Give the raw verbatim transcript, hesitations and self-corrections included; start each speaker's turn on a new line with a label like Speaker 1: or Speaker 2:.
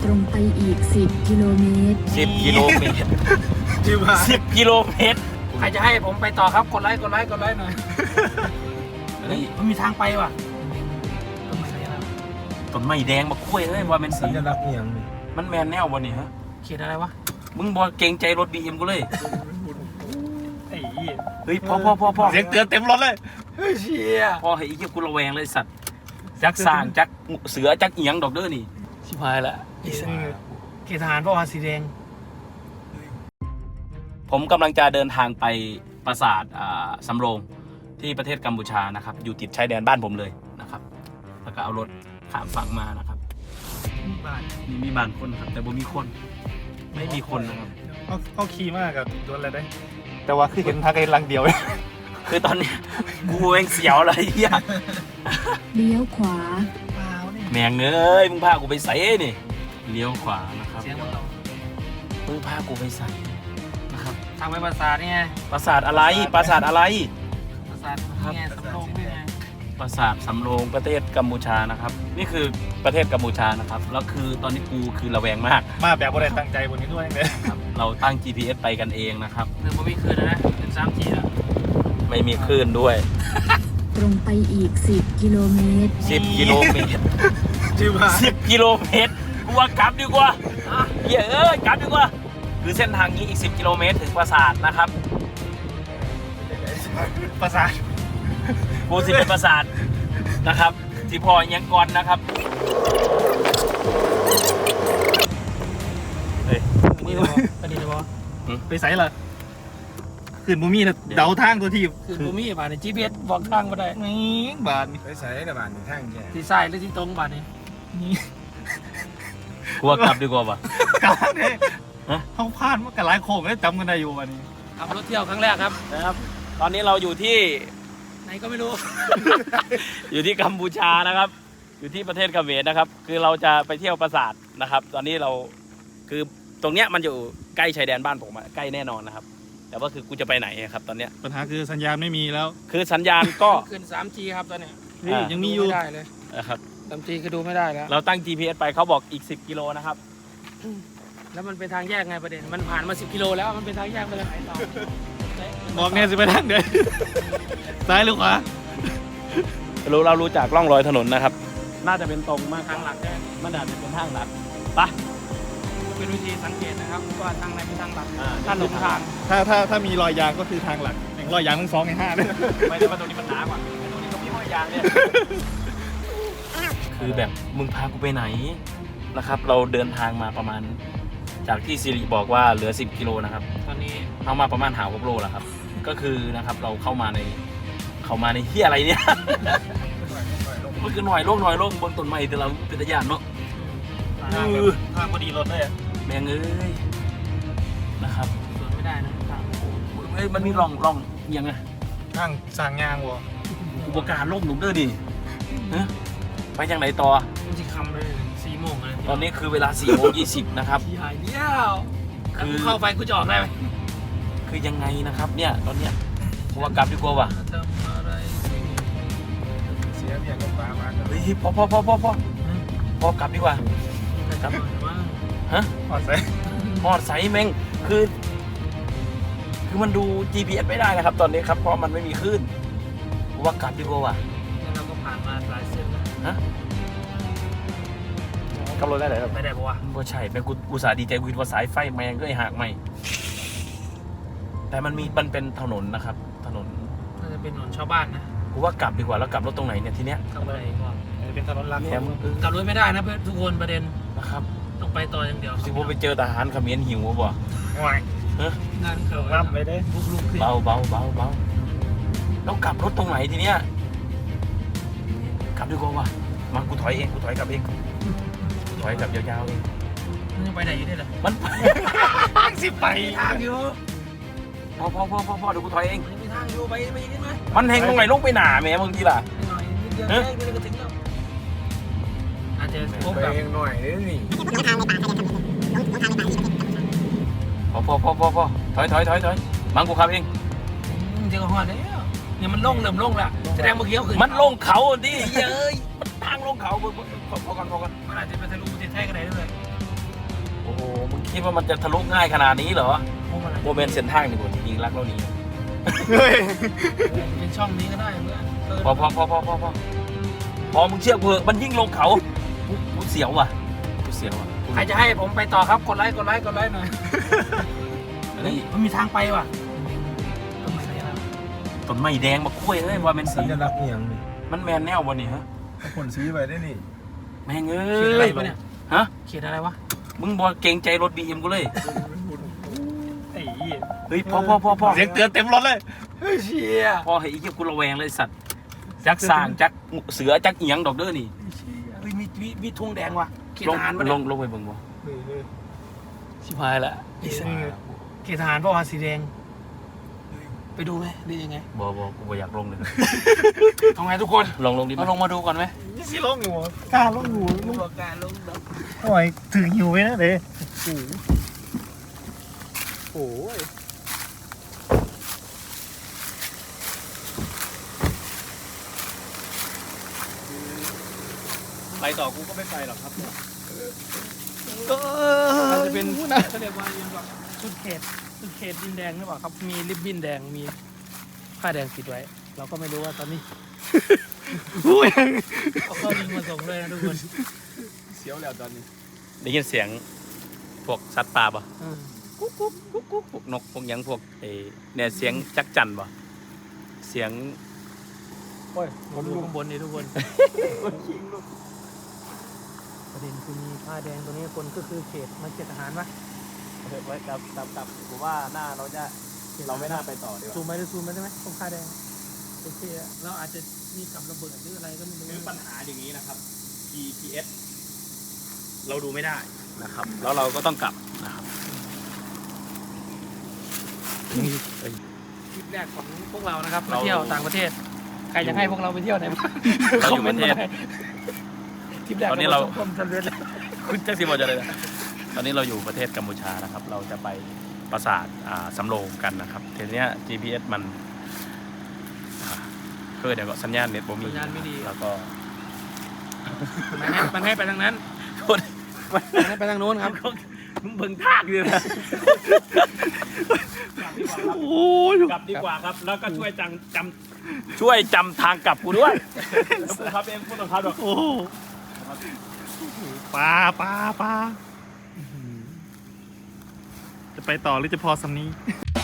Speaker 1: รงไปอีกสิบกิโลเมตร
Speaker 2: สิบกิโลเมตรสิบกิโลเมตรใครจะให้ผมไปต่อครับกดไลค์กดไลค์กดไลค์หน่อยเฮ้ยมันมีทางไปว่ะต้นไม้แดงมาคุ้ยเฮ้ยว่าเป็นสี
Speaker 3: สัญลักษณ์อย่างนี้
Speaker 2: มันแมนแนววะนี่ฮะ
Speaker 4: เขียนอะไรวะ
Speaker 2: มึงบอเกรงใจรถบีเอ็มกูเลย
Speaker 3: ไอ้
Speaker 2: เฮ้ยพอพอพอพอ
Speaker 3: เสียงเตือนเต็มรถเลย
Speaker 4: เฮ้ยเชี่ย
Speaker 2: พอให้อีกกูระแวงเลยสัตว์จักสร้างจักเสือจักเอียงดอกเด้อนี่ชิบหายละ
Speaker 4: เขียนทหารเพราะว่าสีแดง
Speaker 2: ผมกำลังจะเดินทางไปปราสาทอ่าสำโรงที่ประเทศกัมพูชานะครับอยู่ติดชายแดนบ้านผมเลยนะครับแล้วก็เอารถข้ามฝั่งมานะครับ
Speaker 4: บ้าน
Speaker 2: มีมีบ้านคนครับแต่บ่มีคนไม่มีคนนะครับ
Speaker 3: เขาเขาขี่มากกับโดนอะไรได้ แต่ว่าคือเห็นทางไกลลังเดียว
Speaker 2: คือตอนเนี้ยกูเองเสียวอะไรเหี้ย
Speaker 1: เลี้ยวขวา
Speaker 4: เปล่าเนี่ย
Speaker 2: แมงเอ้ยมึงพากูไปใส่นี่เลี้ยวขวานะครับ
Speaker 4: เสียงมันเรา
Speaker 2: มึงพากูไปใส่นะครับ
Speaker 4: ทางไปปราสาทนี่ไง
Speaker 2: ปราสาทอะไรปราสาทอะไร
Speaker 4: ปราสาทนี่ไงสำโรงนี่ไง
Speaker 2: ปราสาทสำโรงประเทศกัมพูชานะครับ นี่คือประเทศกัมพูชานะครับแล้วคือตอนนี้กูคือระแวงมาก
Speaker 3: มาแบบบ่ได้ตั้งใจบนนี้ด้วยเลย
Speaker 2: ครับเราตั้ง จี พี เอส ไปกันเองนะครับ
Speaker 4: หนึ่งบ่มีคืนนะเป็นสามจีแล้ว
Speaker 2: ไม่มีคลื่นด้วย
Speaker 1: ตรงไปอีกสิบกิโลเมตร
Speaker 2: สิบกิโลเมตร
Speaker 3: ชื่อว่า
Speaker 2: สิบกิโลเมตรกูว่ากลับดีกว่าเหี้ยเอ้ยกลับดีกว่าคือเส้นทางนี้อีกสิบกิโลเมตรถึงปราสาทนะครับ
Speaker 3: ประสาท
Speaker 2: กูสิเป็นปราสาทนะครับที่พอยังก่อนนะครับเฮ้ย
Speaker 4: นี่เลยปนี่เลยบอ
Speaker 3: ไปใส่ละขึ้นบูมี่นะเดาทางตัวทีบ
Speaker 4: คือบ่มีบ้านใน จี พี เอส บอกทางมาได้
Speaker 3: นี่บาน
Speaker 5: ไปใส่ในบ้านทางแย่
Speaker 4: ที่ซ้ายหรือที่ตรงบ้านนี้
Speaker 3: นี่
Speaker 2: กูว่ากลับดีกว่าป่ะ
Speaker 3: กลางเนี่ย
Speaker 2: ฮะ
Speaker 3: เขาพลาดมากับหลายโค้งแล้วจำกันได้อยู่วันนี้
Speaker 4: ขับรถเที่ยวครั้งแรกครับ
Speaker 2: นะครับ ตอนนี้เราอยู่ที่
Speaker 4: ไหนก็ไม่รู้
Speaker 2: อยู่ที่กัมพูชานะครับ อยู่ที่ประเทศเขมรนะครับ คือเราจะไปเที่ยวปราสาทนะครับ ตอนนี้เราคือตรงเนี้ยมันอยู่ใกล้ชายแดนบ้านผมอะใกล้แน่นอนนะครับ แต่ว่าคือกูจะไปไหนอะครับ ตอนเนี้ย
Speaker 3: ปัญหาคือสัญญาณไม่มีแล้ว
Speaker 2: คือสัญญาณก็
Speaker 4: ขึ้น สามจี ครับตอนเนี้ย
Speaker 3: เฮ้ย
Speaker 2: อ่ายั
Speaker 3: ยังมีอยู่
Speaker 4: ดูไม่ได้เลย
Speaker 2: นะครับ
Speaker 4: สามจีคือดูไม่ได้แล้ว
Speaker 2: เราตั้ง จี พี เอส ไปเขาบอกอีกสิบกิโลนะครับ
Speaker 4: แล้วมันเป็นทางแยกไงประเด็น มันผ่านมาสิบกิโลแล้วมันเป็นทางแยกไปเลยไหนต่อ
Speaker 3: บอกเนี่ยสิไปทางเดียวซ้ายหรือขวา
Speaker 2: รู้เรารู้จากร่องรอยถนนนะครับ น่าจะเป็นตรงมาก
Speaker 4: ทางหลักใช่ไหม
Speaker 2: มันอาจจะเป็นทางหลักไป
Speaker 4: เป็นวิธีสังเกตนะครับว่าทางไหนเป็นทางหลัก
Speaker 2: อ่า
Speaker 4: ถ้าหลงทาง
Speaker 3: ถ้าถ้าถ้ามีรอยยางก็คือทางหลักอย่างรอยยางทั้งสองในห้าเลย
Speaker 2: ไม่ได้ว่าตรงนี้มันหนากว่าไอ้ตรงนี้ก็มีห้อยยางเนี่ย คือแบบมึงพากูไปไหนนะครับ เราเดินทางมาประมาณ จากที่สิริบอกว่าเหลือสิบกิโลนะครับ
Speaker 4: ตอนนี้
Speaker 2: เข้ามาประมาณหาหกโลแล้วครับ ก็คือนะครับเราเข้ามาในเข้ามาในเฮียอะไรเนี่ยมันคือหน่อยโลกหน่อยโลกบนต้นไม้แต่เราเป็นตะยานเนาะ
Speaker 3: ทางแบบทางพอดีรถเลยอะ
Speaker 2: แมงเอ้ยนะครับ
Speaker 4: สวนไม่ได้นะทาง
Speaker 2: เอ้ยมันมีร่องร่องยังไง
Speaker 3: ทางสร้างยางวะ
Speaker 2: อุปการณ์โลกหนุ่มเด้อดิฮะไปยังไหนต่อ
Speaker 4: มันจะคำเลยสี่โมงเลย
Speaker 2: ตอนนี้คือเวลาสี่โมงยี่สิบนะครับ
Speaker 4: ที่หายเดียว
Speaker 2: คื
Speaker 4: คือ
Speaker 2: อ
Speaker 4: เข้าไปกูจะออกได้ไหม
Speaker 2: คือยังไงนะครับ เนี่ยตอนเนี้ยกูว่ากลับดีกว่าว่ะ
Speaker 4: ทำอะไร
Speaker 5: เสียเมียกับป้ามากัน
Speaker 2: เฮ้ยพอพอพอพอพอพอกลับดีกว่า
Speaker 4: กลับมา
Speaker 2: ฮะ
Speaker 3: ขอใส่
Speaker 2: หอดใสแมงคือ คือมันดู จี พี เอส ไม่ได้นะครับ ตอนนี้ครับเพราะมันไม่มีคลื่นกูว่ากลับดีกว่าว่ะ
Speaker 4: แล้วเราก็ผ่านมาหลายเส้นแล้ว
Speaker 2: ฮะขับรถได้ไหนครับ
Speaker 4: ไม่ได้ปะวะ
Speaker 2: บ่ใช่แม่งกูอุตส่าห์ดีใจกูคิดว่าสายไฟแมงก็ไอ้หักไม่แต่มันมีมันเป็นถนนนะครับ ถนน
Speaker 4: น่าจะเป็นถนนชาวบ้านนะ
Speaker 2: กูว่ากลับดีกว่าแล้วกลับรถตรงไหนเนี่ยทีเนี้ย
Speaker 4: กลับอะไรก่อน
Speaker 3: เป็นถนนลัก
Speaker 2: แถมเออก
Speaker 4: ลับรถไม่ได้นะเพื่อนทุกคนประเด็น
Speaker 2: นะครับ
Speaker 4: ต้องไปต่ออย่างเดียว
Speaker 2: สิว่าไปเจอทหารเขมรหิวบ่
Speaker 3: หวาย
Speaker 2: ฮะ
Speaker 4: งานเขา
Speaker 3: รับไปได้
Speaker 4: บุกลุกขึ้น
Speaker 2: เบาเบาเบาเบาแล้วกลับรถตรงไหนทีเนี้ยกลับดีกว่าว่ะมากูถอยเองกูถอยกลับเองกูถอยกลับยาวๆเอง
Speaker 4: มันยังไปไหนอยู่ได้เหรอ
Speaker 2: มัน
Speaker 3: ทางสิไป
Speaker 4: ทางอยู่
Speaker 2: พอพอพอพอพอเดี๋ยวกูถอยเอง
Speaker 4: มันยังมีทางอยู่ไปไปยังไงไหม
Speaker 2: มันแหงตรงไหนลงไปหนาแหม่มึงทีล่ะ
Speaker 4: หน่อยนิดเดียว
Speaker 2: ฮะ
Speaker 4: แค่นี้ก็ถึงแล้วอาจจะพบ
Speaker 5: ไป
Speaker 4: กับ
Speaker 5: เองหน่อยนี่
Speaker 2: พอพอพอพอพอถอยถอยถอยถอยมังกูขับเอง
Speaker 4: เดี๋ยวก็ฮอดแล้วเนี่ยมันลงเริ่มลงแล้วแสดงเมื่อกี้เขาขึ้น
Speaker 2: มันลงเขาดิเย้ยมันทางลงเขาพอพอกันพอกัน
Speaker 4: มันอาจจะไปทะลุประเทศไทยก็ได้ด้วย
Speaker 2: คิดว่ามันจะทะลุง่ายขนาดนี้เหรอ
Speaker 4: พวกอะไร
Speaker 2: โมเมนต์เส้นทางนี่กว่ายิงรักเรานี้
Speaker 3: เฮ้ย
Speaker 4: เป็นช่องนี้ก็ได้เพื่อนเออ
Speaker 2: พอพอพอพอพอพอพอมึงเชื่อกูเถอะมันยิ่งลงเขากูกูเสียวว่ะกูเสียวว่ะ
Speaker 4: ใครจะให้ผมไปต่อครับกดไลค์กดไลค์กดไลค์หน่อย
Speaker 2: อันนี้
Speaker 4: มันมีทางไปว่ะต้นไม้อะไรนะ
Speaker 2: ต้นไม้แดงมาคุ้ยเอ้ยว่าเป็น
Speaker 5: สั
Speaker 2: สี
Speaker 5: ญลักษณ์อหย่างนี่
Speaker 2: มันแมนแนวบนนี่ฮะ
Speaker 5: เอาคนซื้อไปได้นี่
Speaker 2: แม่งเอ้
Speaker 4: เขียนอะไร
Speaker 2: ย
Speaker 4: ปะเนี่ย
Speaker 2: ฮะ
Speaker 4: เขียนอะไรวะ
Speaker 2: มึงบอกเกรงใจรถบีเอ็มกูเลย
Speaker 3: ไอ้เหี้ย
Speaker 2: เฮ้ยพอพอพอพอ
Speaker 3: เสียงเตือนเต็มรถเลย
Speaker 4: เชี่ย
Speaker 2: พอเฮ้ยไอ้เหี้ยกูระแวงเลยสัตว์จักสร้างจักเสือจักเอียงดอกเด้อนี่
Speaker 4: เฮ้ยมีมีมีธงแดงว่ะเขต
Speaker 2: ลง
Speaker 4: ทหารปะ
Speaker 2: ล
Speaker 4: เนี่ย
Speaker 2: งลงไปเบิ่งบ่
Speaker 5: เฮ้ยเฮ้ย
Speaker 2: ชิบหายละ
Speaker 4: ไอ้สัสเขตทหารปะวะสีแดงไปดูไหมหรือยังไง
Speaker 2: บ่บ่กูบ่อยากลงเลย
Speaker 4: เอาไงทุกคน
Speaker 2: ลงลงดิ
Speaker 4: เราลงมาดูก่อนไหม
Speaker 3: สิลงอยู่วะกล้าลงอยู่ลง
Speaker 4: การลง
Speaker 3: โอ้ยถึงหิวไว้นะเด้
Speaker 4: โอ้ย
Speaker 2: ไปต่อกูก็ไม่ไปหรอกครับ
Speaker 4: อาจจะเป็นเขาเรียกว่ายังแบบชุดเขตชุดเขตดินแดงหรือเปล่าครับมีริบบิ้นแดงมีผ้าแดงปิดไว้ เราก็ไม่รู้ว่าตอนนี้
Speaker 3: อุ้ย
Speaker 4: เขาก็ยิงมาส่งเลยนะทุกคน
Speaker 5: เสียวแล้วตอนนี้
Speaker 2: ได้ยินเสียงพวกสัตว์ป่าป่ะ
Speaker 4: อืม
Speaker 2: กุ๊กกุ๊กกุ๊กกุ๊กพวกนกพวกหยังพวกเอเนี่ยเสียงจักจั่นป่ะเสียง
Speaker 4: โอ้ยผมดูข้างบนนี่ทุกคนประเด็นคือมีผ้าแดงตัวนี้คนก็คือเขตมันเขตทหารปะ
Speaker 2: ไว้กับกับกับผมว่าหน้าเราจะเราไม่น่าไปต่อดีก
Speaker 4: ซู
Speaker 2: ว่าม
Speaker 4: ไปดูซูมไปได้ไหมตรงผ้าแดงโอเคอะเราอาจจะมีกับระเบิดหรืออะไรก็ไม่รู้
Speaker 2: คือปัญหาอย่างนี้นะครับ จี พี เอส เราดูไม่ได้นะครับ แล้วเราก็ต้องกลับนะครับ
Speaker 4: ทริปแรกของพวกเรานะครับมา
Speaker 2: เรา
Speaker 4: เที่ยวต่างประเทศใครอยากให้พวกเราไปเที่ยวไหนบ้าง
Speaker 2: เราอยู่ประเทศ
Speaker 4: ทริปแรก
Speaker 2: ตอนนี้เรา
Speaker 4: ประสบความสำเร็จแล้ว
Speaker 2: คุณแจ็คสิบอลจะเลยนะตอนนี้เราอยู่ประเทศกัมพูชานะครับ เราจะไปปราสาทอ่าสำโรงกันนะครับทีเนี้ย จี พี เอส มันอ่าเกิดเดี๋ยวก็สัญญาณเน็ตบ่มี
Speaker 4: สัญญาณไม่ดี
Speaker 2: แล้วก็
Speaker 4: มันให้มันให้ไปทางนั้น
Speaker 2: โทษ
Speaker 4: มันให้ไปทางโน้นครับ
Speaker 2: มึงเบิ่งทากเลยนะ
Speaker 3: โอ้ย
Speaker 2: กลับดีกว่าครับ แล้วก็ช่วยจังจำช่วยจำทางกลับกูด้วยแล้วกูครับเองกูต้องครับดอก
Speaker 3: โอ้โหปลาปลาปลาจะไปต่อหรือจะพอสำนี้